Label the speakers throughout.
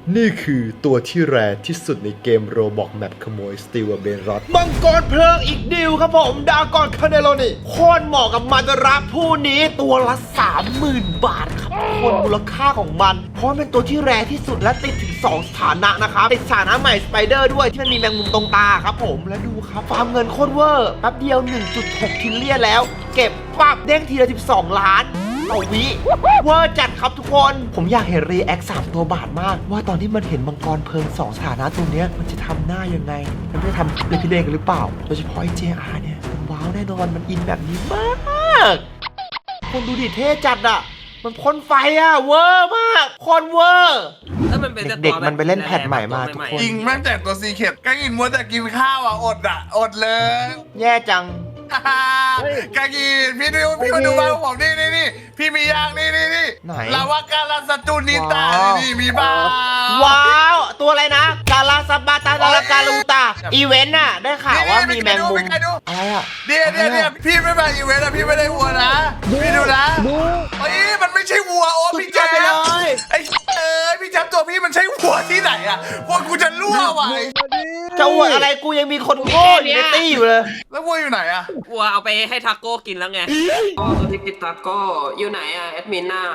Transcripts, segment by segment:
Speaker 1: นี่คือตัวที่แรที่สุดในเกมโรบอกแมปขโมยสตีลเบนรอดมังกรเพลิงอีกดิวครับผมดากอนคาเนโลนี่โคตรเหมาะกับมันรักผู้นี้ตัวละ 30,000 บาทครับคนมูลค่าของมันเพราะมันเป็นตัวที่แรที่สุดและติดถึง2 สถานะนะครับติดสถานะใหม่สไปเดอร์ด้วยที่มันมีแมงมุมตรงตาครับผมและดูครับฟาร์มเงินโคตรเวอร์แป๊บเดียว 1.6 ทิลเลียนแล้วเก็บปั๊บเด้งทีละ12 ล้านเอาวิเวอร์จัดครับทุกคนผมอยากเห็นรีแอค3 ตัวบาทมากว่าตอนที่มันเห็นมังกรเพลิง2 สถานะตัวเนี้ยมันจะทำหน้ายังไงมันจะทำเลยพี่เดงกันหรือเปล่าโดยเฉพาะไอ้ JR เนี่ยมันว้าวแน่นอนมันอินแบบนี้มากคนดูดิเท่จัดอ่ะมันพ่นไฟอ่ะเวอร์มากคนเวอร์เด็กๆมันไปเล่นแพทใหม่มาทุกคน
Speaker 2: จริงแม่งแต่ตัวซีเคทก็กินมัวแต่กินข้าวอ่ะอดเลย
Speaker 1: แย่จัง
Speaker 2: กากีพี่ดูพี่มาดูบ้านผมนี่พี่มีย่างนี่
Speaker 1: ไหน
Speaker 2: ลาวาการาสตูนิตานี่มีบ้า
Speaker 1: ว้าวตัวอะไรนะกาลาซาบาตาดาลากาลูตาอีเวนต์น่ะได้ข่าวว่ามีแมงมุมอะไรอ่ะ
Speaker 2: เนี่ยพี่ไม่มาอีเวนต์อะพี่ไม่ได้วัวนะพี่ดูนะเฮ้ยมันไม่ใช่วัวโอ้พี่แจ๊บ
Speaker 1: ไปเลย
Speaker 2: ไอ้พี่แจ๊บตัวพี่มันใช่วัวที่ไหนอะวัวกูจะรั่วว่ะ
Speaker 1: จะอวดอะไรกูยังมีคนโง่อยู่ในตี้อยู่เลย
Speaker 2: แล้ววัวอยู่ไหนอะ
Speaker 3: วัวเอาไปให้ทาโก้กินแล้วไง
Speaker 4: อ๋อตัวที่กินตาโก้อยู่ไหนอะแอดมินน่ะ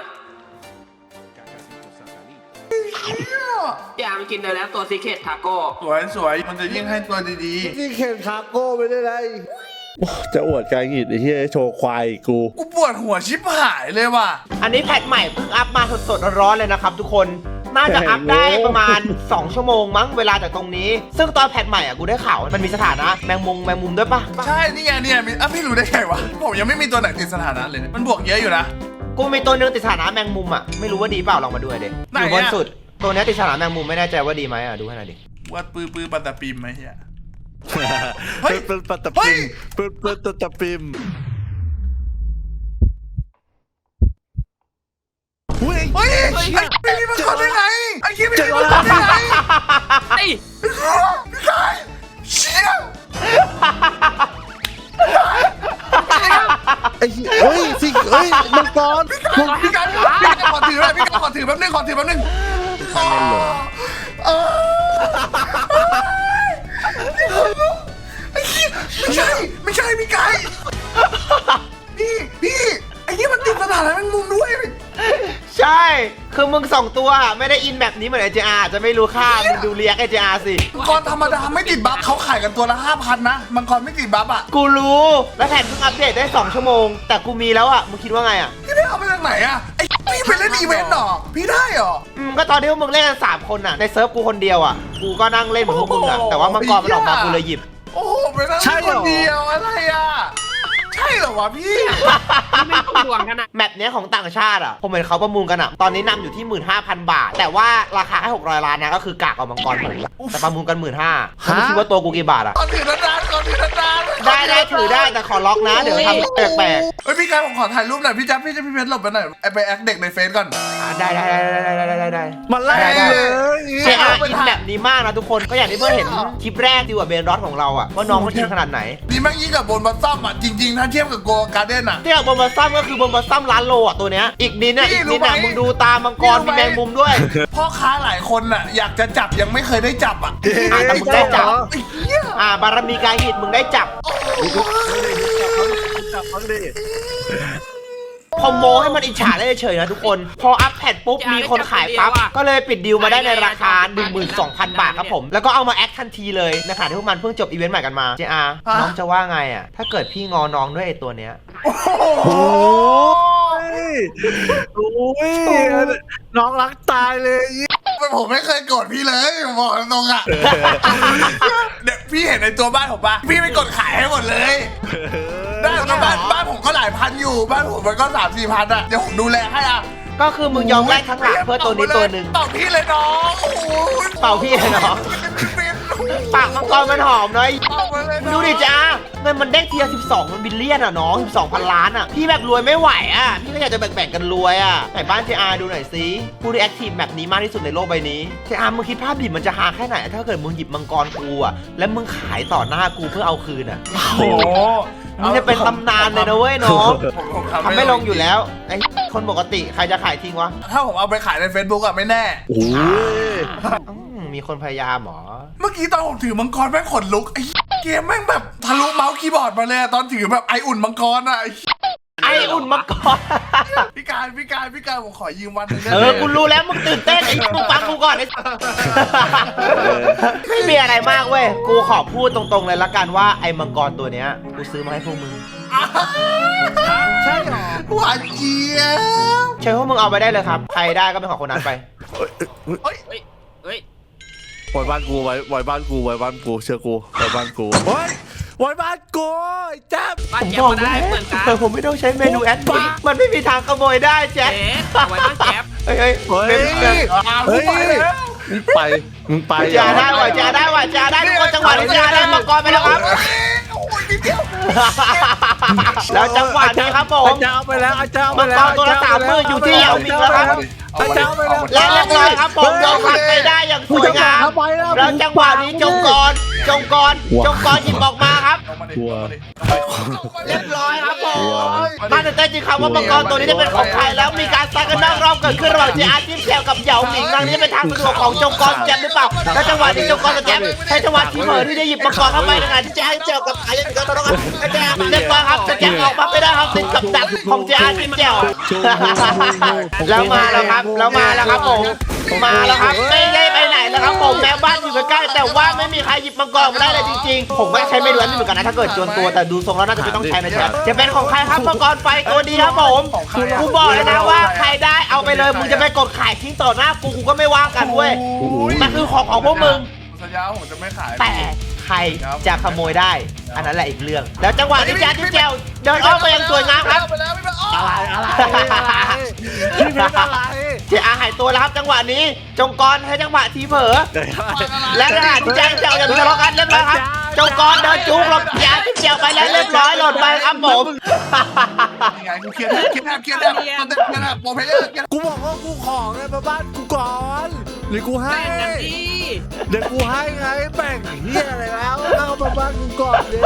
Speaker 4: อย่ามันกินได้แล้วตัวซีเคททาโก้
Speaker 2: สวยมันจะยิ่งให้ตัวดี
Speaker 5: นี่เข็นคาโก้ไปได้ไรจะอวดกายหงิดไอ้ที่โชว์ควายกู
Speaker 2: ๆกูปวดหัวชิบหายเลยว่ะ
Speaker 1: อันนี้แพทใหม่เพิ่งอัพมาสดๆร้อนๆเลยนะครับทุกคนน่าจะอัพได้ประมาณ 2 ชั่วโมงมั้งเวลาจากตรงนี้ ซึ่งตอนแพทใหม่อ่ะกูได้ข่าวมันมีสถานะแมงมุมด้วยปะ
Speaker 2: ใช่นี่ไงเนี่ยพี่รู้ได้ไงวะผมยังไม่มีตัวไหนติดสถานะเลยมันบวกเยอะอยู่นะ
Speaker 1: กูมีตัวนึงติดสถานะแมงมุมอ่ะไม่รู้ว่าดีเปล่าลองมาดูหน่อยดิ
Speaker 2: ไหน
Speaker 1: อ
Speaker 2: อะ
Speaker 1: ยู่บนสุดตัวเนี้ยติดสถานะแมงมุมไม่แน่ใจว่าดีไหมอ่ะดูให้หน่อยดิ
Speaker 2: วัดปื้อปัตตาปีมไหมเฮีย
Speaker 5: เฮ้ยเป็นปัตต
Speaker 2: เฮ้
Speaker 5: ปิ
Speaker 2: ย
Speaker 5: มเป็นปัตตปิมเฮ้ย
Speaker 2: เฮ้ยไอ้นี่มันทำได้ไงไอ้คิดไม่ได้มันทำได้ไง
Speaker 3: ไอ้
Speaker 2: พี่กายเชี่ย
Speaker 5: ไอ้เฮ้ยสิเฮ้ยมังกร
Speaker 2: พี่กายขอถือเลยพี่กายขอถือแป๊บนึงไอ้เหี้ยไม่ใช่พี่กายพี่ไอ้นี่มันติดสถานะแมงมุมด้วย
Speaker 1: ใช่ คือมึง2 ตัวไม่ได้อินแบบนี้เหมือนไอเจอาจะไม่รู้ค่ามึงดูเรียกไอเจอาสิ
Speaker 2: มังกรธรรมดาไม่ติดบัฟเขาขายกันตัวละ 5,000 นะมังกรไม่ติดบัฟอ่ะ
Speaker 1: กูรู้แล้วแผ่นเพิ่งอัปเดตได้2 ชั่วโมงแต่กูมีแล้วอ่ะมึงคิดว่าไงอ่ะ
Speaker 2: พี่ได้เอาไปจากไหนอ่ะไอ้พี่ไปเล่นอีเวนต์เหรอพี่ได้เหรอ
Speaker 1: ก็ตอนที่พวกมึงเล่นกัน3 คนอ่ะในเซิร์ฟกูคนเดียวอ่ะกูก็นั่งเล่นเหมือนพวกมึงอ่ะแต่ว่ามังกรมันออกมากูเลยหยิบ
Speaker 2: โอ้โหไปนั่งเล่นคนเดียวอะไรอ่ะใช่เหรอวะพี่
Speaker 3: ไม่ต้องห่วงกันนะ
Speaker 1: แมปเนี้ยของต่างชาติอ่ะผมเห็นเขาประมูลกันอ่ะตอนนี้นำอยู่ที่ 15,000 บาท แต่ว่าราคาแค่600 ล้านนะก็คือกากเอามังกรผมแต่ประมูลกัน 15,000คุณคิดว่าตัวกูกี่บาทอ่ะ
Speaker 2: ก่อนถือนาน
Speaker 1: ได้ถือได้แต่ขอล็อกนะเดี๋ยวทำแปลก
Speaker 2: เฮ้ยพี่กายผมขอถ่ายรูปหน่อยพี่จ๊บพี่เพชรหลบไปหน่อยไปแอคเด็กในเฟซก่อน
Speaker 1: ๆได้
Speaker 5: มาไล่เลย
Speaker 1: เจอาอินแบบนี้มากนะทุกคนก็อย่างที่เพื่อนเห็นคลิปแรกดีกว่าเบนรอสของเราอ่ะว่าน้องเขาอินขนาดไหน
Speaker 2: นี่แม่งยิ่งกับบนบัสซัมอ่ะจริงๆถ้าเทียบกับโกการ์เด้นอ่ะ
Speaker 1: ที่บอมบัสซัมก็คือบอมบัสซัมร้านโลอ่ะตัวเนี้ยอีกนิดน่ะ
Speaker 2: นี่
Speaker 1: อีก
Speaker 2: รู้
Speaker 1: นิดน่ะ
Speaker 2: ไหม
Speaker 1: มึงดูตามังกร
Speaker 2: นี่รู้
Speaker 1: มี
Speaker 2: ไหม
Speaker 1: แมงมุมด้วย
Speaker 2: พ่อค้าหลายคนอ่ะอยากจะจับยังไม่เคยได้จับอ่ะ
Speaker 1: แต่มึงได้จับ
Speaker 2: ไอ้เหี้ย
Speaker 1: บารมีกายหิตมึงได้จับ
Speaker 5: จับมันดิ
Speaker 1: พอโมให้มันอิจฉาได้เฉยๆนะทุกคน พออัพแพดปุ๊บมีคนขายปั๊บก็เลยปิดดีลมาได้ในราคา 12,000 บาทครับผม แล้วก็เอามาแอคทันทีเลยในขณะที่พวกมันเพิ่งจบอีเวนต์ใหม่กันมาเจอาน้องจะว่าไงอ่ะถ้าเกิดพี่งอน้องด้วยไอ้ตัวเนี้ย
Speaker 2: โอ้โห
Speaker 5: โอ้ยโอ้ยน้องรักตายเลย
Speaker 2: ผมไม่เคยโกรธพี่เลยผมบอกตรงๆอ่ะเดี๋ยวพี่เห็นในตัวบ้านผมปะพี่ไม่กดขายให้หมดเลยได้ก็บ้านผมก็หลายพันอยู่บ้านผมมันก็3-4 พันอ่ะเดี๋ยวผมดูแลให้อ่ะ
Speaker 1: ก็คือมึงยอมแลกทั้งหลังเพื่อตัวนี้ตัวหนึ่ง
Speaker 2: เป่าพี่เลยน้องโอ้โห
Speaker 1: เป่าพี่เลยน้อง ปากมังกรมันหอมเลย
Speaker 2: เป่ามาเลยน้อง
Speaker 1: ดูดิจ้าเงินมันเด้งทีละ12 มันบิลเลียนอ่ะน้อง12,000 ล้านอ่ะพี่แบบรวยไม่ไหวอ่ะพี่ก็อยากจะแบ่งๆกันรวยอ่ะไหนบ้าน JR ดูหน่อยสิผู้ที่แอคทีฟแบบนี้มากที่สุดในโลกใบนี้ JR มึงคิดภาพดิมันจะฮาแค่ไหนถ้าเกิดมึงหยิบมังกรกูอ่ะแล้วมึงขายต่อหน้ากูเพื่อเอาคืนอ่ะ
Speaker 2: โอ้โห
Speaker 1: มึงจะเป็นตำนานเลยนะเว้ยน้อง
Speaker 2: ผม
Speaker 1: ทำไม่ลงอยู่แล้วไอ้คนปกติใครจะขายทิ้งวะ
Speaker 2: ถ้าผมเอาไปขายใน Facebook อะไม่แน่
Speaker 5: โอ้ย
Speaker 1: มีคนพยายามเหรอ
Speaker 2: เมื่อกี้ตอนผมถือมังกรแม่งขนลุกไอ้เกมแม่งแบบทะลุเมาส์คีย์บอร์ดมาเลยอะตอนถือแบบไออุ่นมังกรอะ
Speaker 1: ไออุ่นมาก่อน
Speaker 2: พี่การผมขอยืมวันหนึงได้ไหม
Speaker 1: กูรู้แล้วมึงตื่นเต้นไอ้มึงฟังกูก่อนไอ้ไม่มีอะไรมากเว้ยกูขอพูดตรงๆเลยละกันว่าไอ้มังกรตัวเนี้ยกูซื้อมาให้พวกมึง
Speaker 5: ใช่หรอ
Speaker 2: หวานเจี๊ยบ
Speaker 1: เชิญพวกมึงเอาไปได้เลยครับใครได้ก็เป็นของคนนั้นไป
Speaker 3: เฮ้ย
Speaker 5: ไว้บ้านกูไว้บ้านกูไว้บ้านกูเชื่อกูไว้บ้านกูเฮ้ยไว้บ้านกูแจ๊บ
Speaker 3: บ้าน
Speaker 1: ผม
Speaker 3: แจ๊บบ
Speaker 1: อ
Speaker 3: ก็
Speaker 1: ก
Speaker 3: ได้
Speaker 1: แล้ว
Speaker 3: เหมือนกัน
Speaker 1: แต่ผมไม่ต้องใช้เมนูแอดมินมันไม่มีทางขโมยได้แจ๊ค
Speaker 3: เจ๊เอาไว้บ้านแจ๊บ
Speaker 1: เฮ้ย
Speaker 5: เฮ้ย
Speaker 1: เฮ้ย
Speaker 5: เฮ้ย
Speaker 2: ไปแล้ว
Speaker 5: มึงไป
Speaker 1: จะได้ว่ะจะได้ว่ะจะได้ทุกคนจังหวะนี้จะได้มังกรไปแล้วครับ
Speaker 2: โอ้ยนิดเดียว
Speaker 1: แล้วจังหวะนี้ครับผม
Speaker 5: อาจารย์เอาไปแล้วอาจารย์เอาไป
Speaker 1: มัง
Speaker 5: แล้
Speaker 1: ก
Speaker 5: ว
Speaker 1: รตัวละ30,000อยู่ที่เหยาหมิงแล้วครับ
Speaker 5: อาจารย์เอาไปแล้ว
Speaker 1: และเรียบร้อยครับผมโดนขัดไปได้อย่างสวยงามแล้วจังหวะนี้จงกรหยิบออกมาครับ เรียบร้อยครับผมมาตื่นเต้นจริงครับว่ามังกรตัวนี้จะเป็นของใครแล้วมีการซัดกันนอกรอบเกิดขึ้นระหว่างเจอาร์จิ้มแจวกับเหยาหมิงทางนี้เป็นทางสะดวกของจงกรแจมหรือเปล่าแล้วจังหวะนี้จงกรกับแจมใช้จังหวะที่เหม่อที่จะหยิบมังกรเข้าไปในขณะที่เจอาร์จิ้มแจวกับไอ้ยังมีการทะเลาะกันแจมเรียบร้อยครับแต่แจมออกมาไม่ได้ครับติดกับดักของเจอาร์จิ้มแจวแล้วมาแล้วครับผมมาแล้วครับไม่ได้ไปไหนแล้วครับผมแม้บ้านอยู่ใกล้ๆแต่ว่าไม่มีใครหยิบมังกรมาได้เลยจริงๆผมไม่ใช้เมนูนั้นเหมือนกันนะถ้าเกิดจวนตัวแต่ดูทรงแล้วน่าจะไม่ต้องใช้นะแจ๊บจะเป็นของใครครับมังกรไฟตัวดีครับผมกูบอกเลยนะว่าใครได้เอาไปเลยมึงจะไปกดขายทิ้งต่อหน้ากูก็ไม่ว่ากันเว้ยมันคือของพวกมึง
Speaker 2: สัญญาผมจะไม่ขาย
Speaker 1: แต่ใครจะขโมยได้ อันนั้นแหละอีกเรื่อง แล้วจังหวะที่แจ๊ดที่แจวเดินอ้อมไปยังสวยงามครับ
Speaker 2: ไปแล้วไปแล้ว
Speaker 5: อะไรที่เป็นอะไร
Speaker 1: เจอาหายตัวแล้วครับจังหวะนี้จงกรให้จังหวะทีเผลอและขณะที่แจ๊ดแจวยังมีทะเลาะกันเรียบร้อยครับจงกรเดินจูงหลบยาที่แจวไปแล้วเรียบร้อยหล่นไปครับผม
Speaker 2: ยังไงกูเครียดโปรเพลเยอร์
Speaker 5: กูบอกว่ากูขอไงมาบ้านกูก่อนหรือกูให้
Speaker 3: แบ่งกันดิ
Speaker 5: เดี๋ยวกูให้ไงแบ่งเฮียอะไรแล้วเอามาบ้านกูก่อนเลย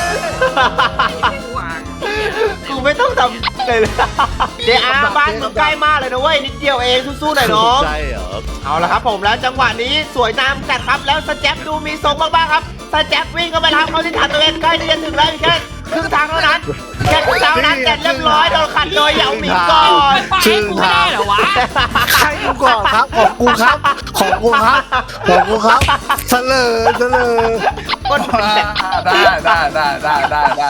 Speaker 3: วาง
Speaker 1: กูไม่ต้องทำเลยเจอาบ้านมึงใกล้มากเลยนะเว้ยนิดเดียวเองสู้ๆหน่อยน้อง
Speaker 5: ใช่เหรอ
Speaker 1: เอาละครับผมแล้วจังหวะนี้สวยงามจัดครับแล้วสแจ๊บดูมีทรงมากๆครับสแจ๊บวิ่งเข้าไปรับเขาที่ฐานตัวเองใกล้ที่จะถึงแล้วอีกแค่ครึ่งทางเท่านั้นแค่ครึ่งทางเท่านั้นเสร็จเรียบร้อยโดนขัดโดยเหยาหมิงก่อน
Speaker 3: ชื่อกูไม่ได้เหรอวะ
Speaker 5: ใครกูก่อนครับของกูครับของกูครับของกูครับเสลอ
Speaker 1: กด
Speaker 2: ได้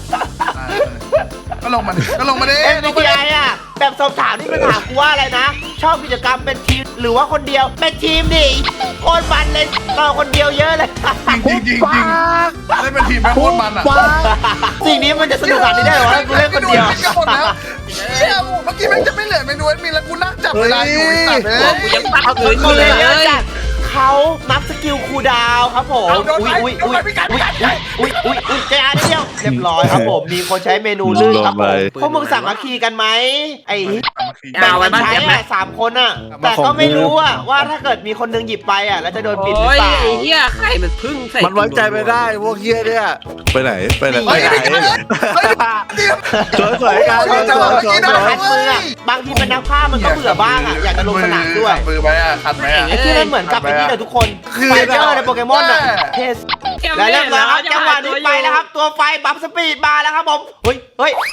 Speaker 2: ก็ลงมาดิ
Speaker 1: เอ็มบีทีไออ่ะแบบสอบถามนี่มันถามกูว่าอะไรนะ ชอบกิจกรรมเป็นทีมหรือว่าคนเดียวเป็นทีมดิโคตรมันเลยต่อคนเดียวเยอะเลย
Speaker 2: จริงได้เป็นทีมแม่โคตรมันอ่ะ
Speaker 1: สิ่งนี้มันจะสนุกขนาดนี้ได้เหรอกูเล่นคนเดียว
Speaker 2: หมดแล้วเชี่ยเมื่อกี้แม่งจะไม่เหลือเมนูมีแล้วกูนั่งจับเวลาอยู่ไอ้สัตว์เลย
Speaker 3: กูยังปัดขืนอ
Speaker 1: ค
Speaker 3: ยู่
Speaker 1: น
Speaker 3: เล
Speaker 1: เลย
Speaker 3: ย
Speaker 1: เยอะจัดเขานับสกิลคูลดาวน์ครับผมอุ้ยเจอาเดียวเรียบร้อยครับผมมีคนใช้เมนูลื่นครับผมพวกมึงสามัคคีกันไหมไอ้แบ่งกันใช้อะ3 คนอะแต่ก็ไม่รู้อะว่าถ้าเกิดมีคนนึงหยิบไปอะแล้วจะโดนปิดหรือ
Speaker 3: โอ้ย
Speaker 1: เปล่า
Speaker 3: ไอ้เหี้ยไข่มันพึ่งใส่
Speaker 5: มันไว้ใจไม่ได้พวกเฮียเนี่ยไปไหนไปไหน
Speaker 2: เฮ้ยไม่กันเลย
Speaker 5: สวยกัน
Speaker 1: คัดมืออะบางทีเป็นนักฆ่ามันก็เบื่อบ้างอะอยากจะลงสนามด้วย
Speaker 2: มือไปอ่ะคัดไหมอ่ะ
Speaker 1: ไอ้ที่นั่นเหมือนกับไอ้นี่เลยทุกคนไฟเจอร์ในโปเกมอนอะเทส และเรียบร้อยครับจังหวะนี้ไปแล้วครับตัวไฟบัฟสปีดมาแล้วครับผมเฮ้ย
Speaker 3: โอ้ย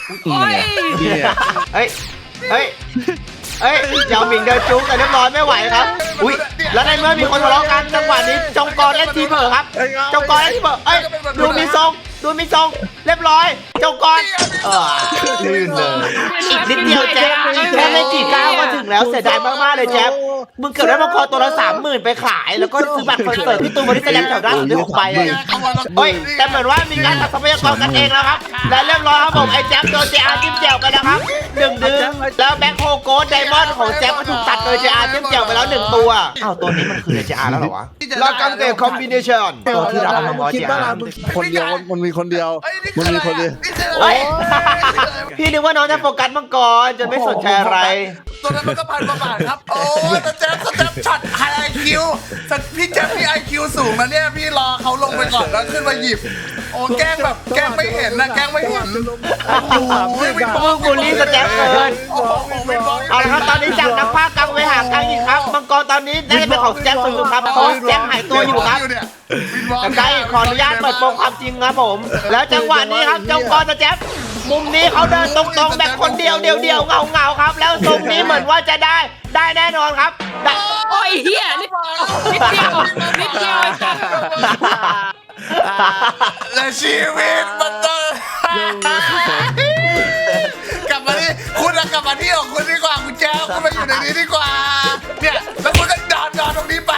Speaker 1: เหยาหมิงเดินจุ๊กแต่เรียบร้อยไม่ไหวครับอุ้ยแล้วในเมื่อมีคนทะเลาะกันจังหวะนี้จงกรและทีเผอครับจงกรและทีเผอดูมีทรงเรียบร้อยจงกรลื่นเลยอีกนิดเดียวแจ๊บแค่ไม่กี่ก้าวก็ถึงแล้วเสียดายมากๆเลยแจ๊บมึงเกิดได้มังกรตัวละ30,000ไปขายแล้วก็ซื้อบัตรคอนเสิร์ตพี่ตูนบริสแลมแถวด้านสุดที่6ใบเลยเฮ้ยแต่เหมือนว่ามีการตัดทรัพยากรกันเองแล้วครับและเรียบร้อยครับผมไอ้แจ๊บโดนเจอาร์จิ้มแจ่วไปแล้วครับ1 ดื้อแล้วแบ็คโฮโกดไดมอนด์ของแจ๊บก็ถูกตัดโดยเจอาร์จิ้มแจ่วไปแล้ว1 ตัวอ้าวตัวนี้มันคือเจอาร์แล้วเหรอวะลากังเตะคอมบิเนชั่นตัวที่เราเอามามอเจอาร์
Speaker 5: คนเดียวมันมีคนเดียวมันมีคนเดียว
Speaker 1: เฮ้ยพี่นึกว่าน้องจะโฟกัสมังกรจะไม่สนใจอะไร
Speaker 2: ตัวนั้นมันก็1,000 กว่าบาทครับโอ้ยแจ๊บช็อตไฮไอคิวพี่แจ๊บพี่ไอคิวสูงนะเนี่ยพี่รอเขาลงไปก่อนแล้วขึ้นมาหยิบโอ้แกล้งแบบแกล้งไม่เห็นนะแกล้งไม่เห็นโอ้โห
Speaker 1: มึงบูลลี่สแต็กเกิน
Speaker 2: โอ้โหไม่บอก
Speaker 1: เอาละครับตอนนี้จากนักพากย์กลางไปหากลางอีกครับมังกรตอนนี้น่าจะเป็นของสแต็กสุดๆครับเพราะสแต็กหายตัวอยู่ครับแต่ใกล้ขออนุญาตเปิดโปงความจริงครับผม แล้วจังหวะนี้ครับเจ้ามังกรสแต็กมุมนี้เขาเดินตรงๆแบบคนเดียวเงาครับ แล้วทรงนี้เหมือนว่าจะได้แน่นอนครับได้
Speaker 3: โอ้ยเฮียนิดเดียวไอ้สัส
Speaker 2: และชีวิตมันต้องกลับมาที่คุณกลับมาที่ของคุณดีกว่าคุณแจ๊วคุณมาอยู่ในนี้ดีกว่าเนี่ยแล้วคุณก็นอนตรงนี้ไป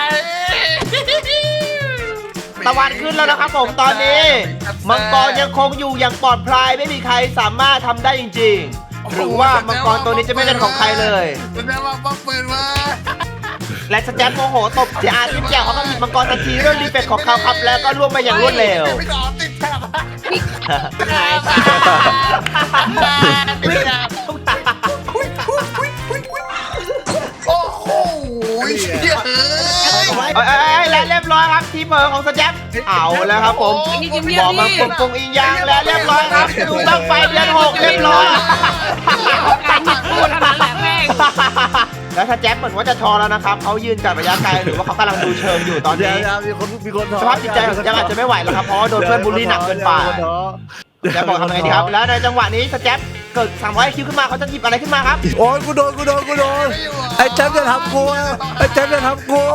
Speaker 1: ตะวันขึ้นแล้วนะครับผมตอนนี้มังกรยังคงอยู่อย่างปลอดภัยไม่มีใครสามารถทำได้จริงๆหรือว่ามังกรตัวนี้จะไม่เป็นของใครเลย
Speaker 2: แสดงว่าป้องปืนมา
Speaker 1: และสแตมโมโหตบเสียอาทิตย์แก้วเขาก็หยิบมังกรทันทีด้วยรีเฟกของเขาครับแล้วก็ล่วงไปอย่างรวดเร็ว
Speaker 2: ไม่ดอติดแถบ
Speaker 3: ไอ้สัส
Speaker 2: ติดแถบโอ้โหเชี่ยเอ้ย
Speaker 1: และเรียบร้อยครับทีเผลอของสแตมเอาแล้วครับผมบอกมาปงอิงยางและเรียบร้อยครับดูตั้งไฟเดือน6เรียบร้อย
Speaker 3: การหยิบพูดเท่านั้นแหละแม่ง
Speaker 1: แล้วถ้าแจ็คเหมือนว่าจะทอแล้วนะครับเขายืนจากระยะไกลหรือว่าเขากำลังดูเชิงอยู่ตอน
Speaker 5: เดี๋ย
Speaker 1: นี้
Speaker 5: วมีคนถอ
Speaker 1: สภาพจิตใจของแจ็คอาจจะไม่ไหวแล้วครับเพราะว่าโดนเพื่อนบูลลี่หนักเกินไปจะบอกทำไงดีครับแล้วในจังหวะนี้สแจ็คเกิด300คิวขึ้นมาเขาจะหยิบอะไรขึ้นมาครับ
Speaker 5: โอ้ยกูโดนไอ้แจ๊บจะทำกูไอ้แจ๊บจะทำกู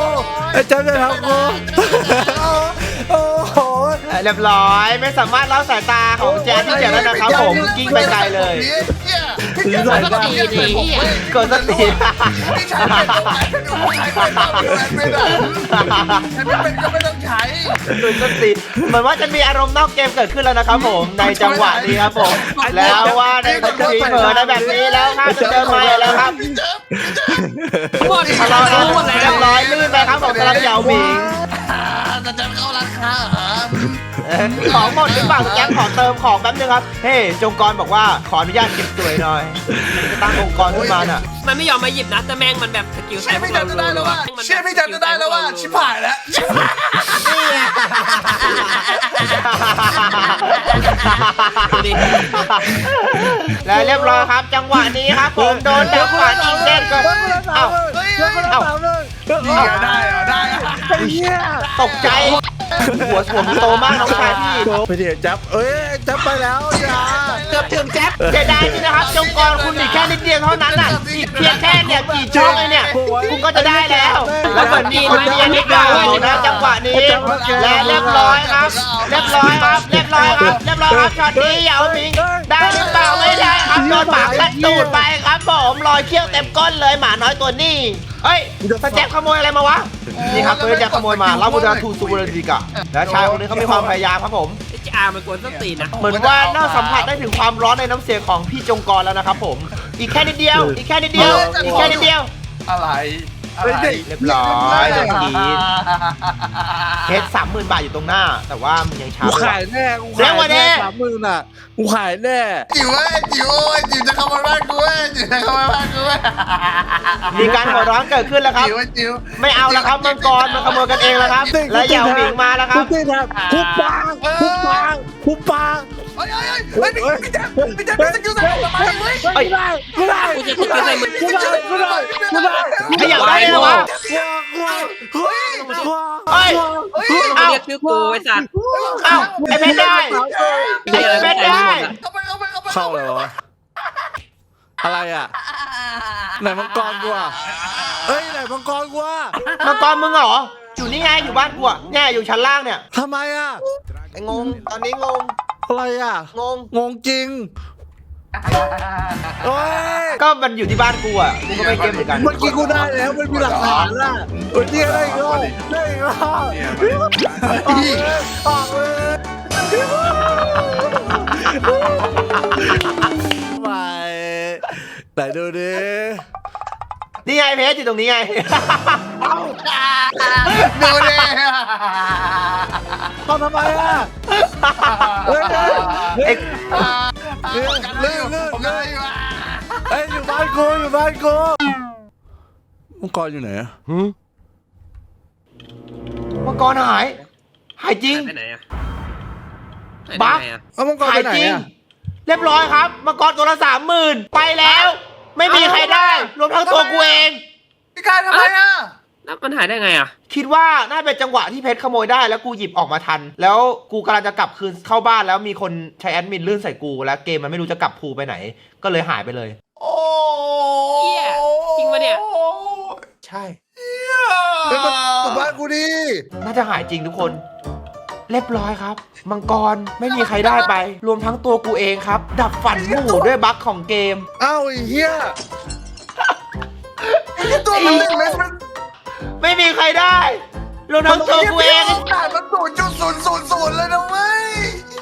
Speaker 5: โอ้โห
Speaker 1: เรียบร้อยไม่สามารถเล่าสายตาของแจ็คที่เจ็บแล้วนะครับผมกิ้งไปไกลเลย เกิดสติ
Speaker 2: พี่ชายเป็นตรงไหนเป็นตรงไหนเป็นก็ไม่ต้องใช้
Speaker 1: เกิดสติเหมือนว่าจะมีอารมณ์นอกเกมเกิดขึ้นแล้วนะครับผมในจังหวะนี้ครับผมแล้วว่าในทีเผลอในแบบนี้แล้วครับจะเจอไม่แล้วครับ
Speaker 3: หมด
Speaker 1: ทะเลาะกันเรียบร้อยลื่นไปครับของสลับเหยาหมิง
Speaker 2: จะเข้าร้านค้าเหรอ
Speaker 1: ของหมดหรือเปล่าแจ็คขอเติมของแป๊บนึงครับเฮ้จงกรบอกว่าขออนุญาตเก็บสวยหน่อยจะตั้งองค์กรขึ้นมาน่ะ
Speaker 3: มันไม่ยอมมาหยิบนะแต่แม่งมันแบบสกิล
Speaker 2: เชื่อพี่จันจะได้แล้วว่าชิบหายแล้ว
Speaker 1: และเรียบร้อยครับจังหวะนี้ครับผมโดนดักฝันอีกเด้งก็เอ้า
Speaker 2: ได้
Speaker 1: ตกใจหัวโตมากน้องชายพี่
Speaker 5: ไปเดี๋ยวจับจับไปแล้วอย่า
Speaker 3: เกือบถึงแจ๊บ
Speaker 1: เสียดายนี่นะครับจงกรคุณอีกแค่นิดเดียวเท่านั้นน่ะอีกเพียงแค่เนี่ยกี่ช่องเลยเนี่ยคุณก็จะได้แล้วแล้วเหมือนมีคนเดียวนิดเดียวนะจังหวะนี้และเรียบร้อยครับช็อตนี้เหยาหมิงได้หรือเปล่าไม่ได้ครับโดนหมากัดตูดไปครับผมรอยเขี้ยวเต็มก้นเลยหมาน้อยตัวนี้เฮ้ยสแจ็คขโมยอะไรมาวะนี่ครับตัวแจ็คขโมยมาแล้วบูดาทูซูเบอร์ดิกะและชายคนนี้เขามีความพยายามครับผม
Speaker 3: ไอ้จ่ามันกวนส้นตีนนะ
Speaker 1: เหมือนว่าน่าสัมผัสได้ถึงความร้อนในน้ำเสียงของพี่จงกรแล้วนะครับผมอีกแค่นิดเดียว
Speaker 2: อะไร
Speaker 1: เรียบร้อยโดนทีเฮด30,000 บาทอยู่ตรงหน้า แต่ว่ามันยังช้า
Speaker 5: กูขายแน่30,000อ่ะกูขายแน่
Speaker 2: จิ๋วจะเข้ามาบ้านกู
Speaker 1: มีการหัวร้อนเกิดขึ้นแล้วครับ
Speaker 2: จิ๋ว
Speaker 1: ไม่เอาแล้วครับมังกรมันขโมยกันเองแล้วครับ และเหยาหมิงมาแล้วครับ
Speaker 5: คุบปาง
Speaker 2: พี่แจ๊คสกิลใส่ทำไมเว้ย
Speaker 5: ไม่ได้
Speaker 3: กูจะสกิลใส่มึง
Speaker 1: ขยับได้เลยวะเฮ้ย
Speaker 3: เรียกชื่อกูไอ้สัส
Speaker 1: เอ้าไอ้เพชรได้ไอ้เพชรได้
Speaker 5: เข้าเลยวะอะไรอ่ะไหนมังกรกูอ่ะไหนมังกรกูอ่ะ
Speaker 1: มังกรมึงเหรออยู่นี่ไงอยู่บ้านกูอะเนี่ยอยู่ชั้นล่างเนี่ย
Speaker 5: ทำไมอ่ะ
Speaker 1: ไอ้งงตอนนี้งง
Speaker 5: อะไรอ่ะ งงจริงโอ้ย
Speaker 1: ก็มันอยู่ที่บ้านกูอ่ะกูก็ไม่เกมเหมือนกัน
Speaker 5: เมื่อกี้กูได้แล้วมันมีหลักฐานล่ะเมื่อกี้ได้อีกรอบออกเลยไปไหนดูดิ
Speaker 1: นี่ไงเพชรอยู่ตรงนี้ไง
Speaker 2: ดูดิ
Speaker 5: ทำไมอ่ะ
Speaker 1: เอ็ก
Speaker 2: ลื่นผมเลยว่ะ
Speaker 5: อยู่บ้านกูมังกรอยู่ไหนอะ
Speaker 1: มังกรหายจริง
Speaker 4: ไปไหนอะ
Speaker 1: บั๊ก
Speaker 5: เอามังกร
Speaker 1: หา
Speaker 5: ไป
Speaker 1: ย
Speaker 5: ไหน
Speaker 1: จริง
Speaker 5: อะ
Speaker 1: เรียบร้อยครับมังกรตัวละ30,000ไปแล้ว ไม่มีใครได้ รวมทั้งตัวกูเอง
Speaker 2: พี่กายทำไมอ่ะ
Speaker 4: แล้วมันหายได้ไงอะ
Speaker 1: คิดว่าน่าเป็นจังหวะที่เพชรขโมยได้แล้วกูหยิบออกมาทัน แล้วกูกำลังจะกลับคืนเข้าบ้านแล้วมีคนใช้แอดมินลื่นใส่กูแล้วเกมมันไม่รู้จะกลับภูไปไหน ก็เลยหายไปเลย
Speaker 2: โอ้
Speaker 4: เหี้ยจริงปะเนี่ย
Speaker 1: ใช่
Speaker 5: เฮ้ยมันกลับบ้านกูดิ
Speaker 1: น่าจะหายจริงทุกคน เรียบร้อยครับ มังกรไม่มีใครได้ไป รวมทั้งตัวกูเองครับ ดับฝันหมู่ด้วยบั๊กของเกม
Speaker 5: อ้าวไอ้เหี้ย
Speaker 2: ตัวมัน1 เมตรมัน
Speaker 1: ไม่มีใครได้ รวมทั้งตัวกูเอง
Speaker 2: ด่านมัน0.000เลยนะเว้ย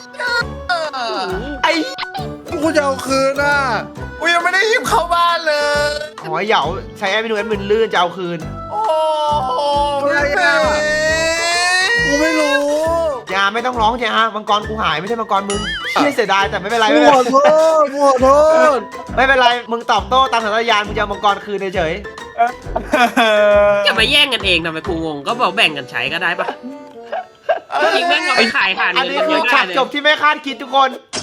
Speaker 1: ไอ้
Speaker 5: กูจะเอาคืนอ่ะ
Speaker 2: กูยังไม่ได้หยิบเข้าบ้านเลย
Speaker 1: หอยเหยาใช้แอดมินลื่นจะเอาคืน
Speaker 2: โอ้โห
Speaker 5: อะไรอ่ะ กูไม่รู้
Speaker 1: อย่าไม่ต้องร้องจ้ามังกรกูหายไม่ใช่มังกรมึงเชี่ยเสียดายแต่ไม่เป็นไร
Speaker 5: กู
Speaker 1: ไม่เป็น
Speaker 5: ข
Speaker 1: ไร
Speaker 5: อโทษกูขอโทษ
Speaker 1: ไม่เป็นไรมึงตอบโต้ตามสัญญาณมึงจะเอามังกรคืนเฉย
Speaker 4: อย่ามาแย่งกันเองทำไมกูงงก็บอกแบ่งกันใช้ก็ได้ปะจริงแม่งเอาไปขายหา
Speaker 1: ๆอัน
Speaker 4: เงิน
Speaker 1: นี้
Speaker 4: กัน
Speaker 1: คื
Speaker 4: เย
Speaker 1: อ
Speaker 4: อะ
Speaker 1: ฉา
Speaker 4: ได้
Speaker 1: ก
Speaker 4: เลย
Speaker 1: จบที่ไม่คาดคิดทุกคน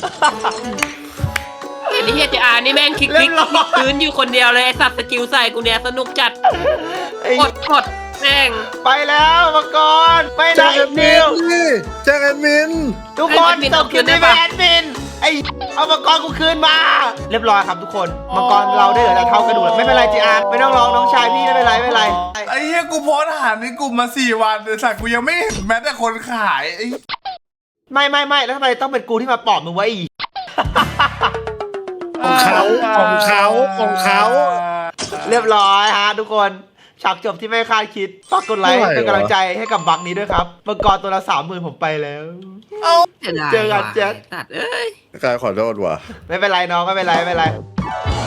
Speaker 4: ไอ้เฮียเจอานี่แม่งคลิก
Speaker 1: เรียบร้อย
Speaker 4: พื้นอยู่คนเดียวเลยไอ้สัตว์สกิลใส่กูเนี่ยสนุกจัด
Speaker 1: ไอ้
Speaker 4: กดแม่ง
Speaker 1: ไปแล้วมังกรไม่
Speaker 5: แจ้
Speaker 1: ได้
Speaker 5: งแอ
Speaker 1: อี
Speaker 5: ด
Speaker 1: ก
Speaker 5: มิ
Speaker 1: นิ
Speaker 5: น
Speaker 1: ว
Speaker 5: ดิแจ้งแอดมิน
Speaker 1: ทุกคนตบคลิปนี้ไปแอดมินไอ้เอามังกรกูคืนมา เรียบร้อยครับทุกคนมังกรเราได้เหลือแต่เท่ากระดูกไม่เป็นไรจีอาไม่ต้องร้องน้องชายพี่ไม่เป็นไรไม่เป็นไร
Speaker 2: ไอ้เหี้ยกูโพสต์หาในกลุ่มมา4 วันแต่สัตว์กูยังไม่เห็นแม้แต่คนขายไอ้
Speaker 1: ไม่แล้วทำไมต้องเป็นกูที่มาปลอบมึงไว้อีก
Speaker 5: ของเขา
Speaker 1: เรียบร้อยฮะทุกคนฉากจบที่ไม่คาดคิดฝากกดไลค์เป็นกำลังใจให้กับบักนี้ด้วยครับมังกรตัวละ30,000ผมไปแล้ว
Speaker 4: เสียดาย
Speaker 1: เจอกัน
Speaker 4: ว่ะ
Speaker 1: แจ็ค
Speaker 4: ตัดเอ้ย
Speaker 5: กายขอโทษว่ะ
Speaker 1: ไม่เป็นไรน้องไม่เป็นไร